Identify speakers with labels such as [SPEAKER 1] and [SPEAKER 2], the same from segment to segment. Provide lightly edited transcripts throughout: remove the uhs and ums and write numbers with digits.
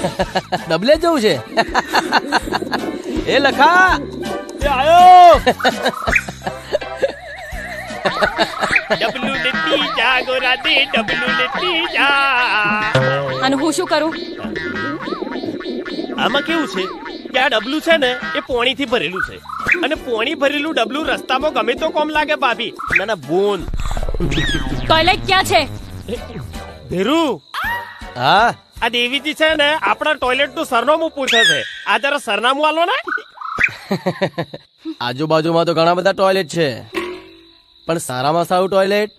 [SPEAKER 1] ડબલે જવું છે. એ લખા
[SPEAKER 2] એ આયો
[SPEAKER 3] ડબલું લેતી જા ગોરા દે ડબલું લેતી જા.
[SPEAKER 4] અને હું શું કરું?
[SPEAKER 3] આમાં કેવું છે કે આ ડબલું છે ને એ પોણીથી ભરેલું છે અને પોણી ભરેલું ડબલું રસ્તામાં ગમે તો કોમ લાગે ભાભી. ના ના બોન.
[SPEAKER 4] ટોયલેટ ક્યાં છે?
[SPEAKER 3] ધીરુ
[SPEAKER 1] હા
[SPEAKER 3] આ દેવીજી છે ને આપણા ટોયલેટ નું સરનામું પૂછે છે. આ જરા સરનામું આલો ને.
[SPEAKER 1] આજુબાજુમાં તો ઘણા બધા ટોયલેટ છે, પણ સારામાં સારું ટોયલેટ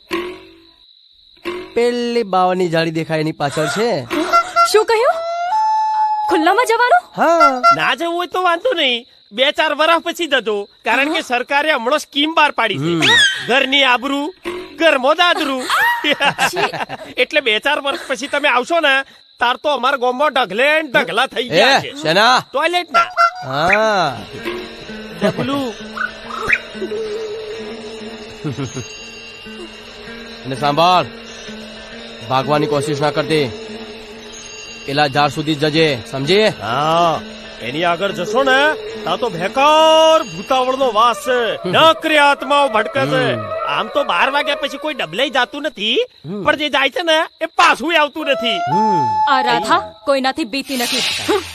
[SPEAKER 1] પેલી બાવાની જાળી દેખાય એની પાછળ છે.
[SPEAKER 4] શું કહ્યું? ખુલ્લામાં જવાનું?
[SPEAKER 1] હા
[SPEAKER 3] ના જવું હોય તો વાંધો નહીં, 2-4 વર્ષ પછી જજો, કારણ કે સરકારે હમણાં સ્કીમ બહાર પાડી છે. ઘરની આબરૂ ઘરમાં દાદરું. એટલે 2-4 વર્ષ પછી તમે આવશો ને તાર તો અમારા ગામમાં ઢગલે ને ઢગલા થઈ ગયા છે
[SPEAKER 1] શેના?
[SPEAKER 3] ટોયલેટ ના.
[SPEAKER 1] હા
[SPEAKER 3] ડબલું
[SPEAKER 1] અને સાંભળ, ભાગવાની કોશિશ ના કરતી, પેલા ઝાડ સુધી જજે, સમજી?
[SPEAKER 3] હા એની આગળ જશો ને તા તો ભેકાર ભૂતાવળ નો વાસ છે, નકરી આત્માઓ ભટકે છે. આમ તો 12 વાગ્યા પછી કોઈ ડબલે જાતું નથી, પણ જે જાય છે ને એ પાછું આવતું નથી.
[SPEAKER 4] આ રાધા કોઈનાથી બીતી નથી.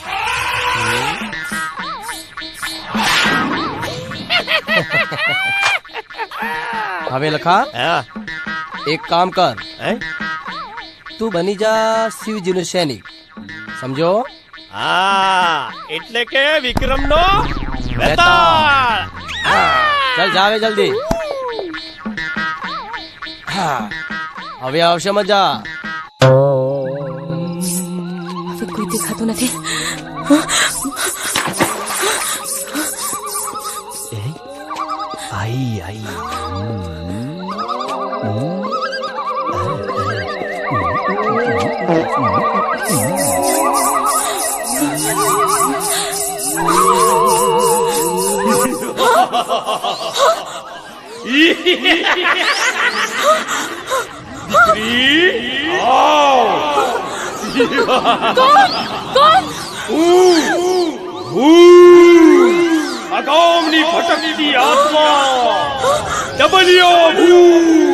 [SPEAKER 1] હવે લખા,
[SPEAKER 3] હા
[SPEAKER 1] એક કામ કર,
[SPEAKER 3] હે?
[SPEAKER 1] તું બની જા શિવજીનો સૈનિક, સમજો?
[SPEAKER 3] હા એટલે કે વિક્રમ નો
[SPEAKER 1] વેતાળ. ચાલ જાવે જલ્દી. હા હવે આવશે મજા.
[SPEAKER 4] હવે કોઈ દેખાતું નથી.
[SPEAKER 3] આઈ આઈ અગાઉની ભટકતી આત્મા ડબલ્યો ભૂ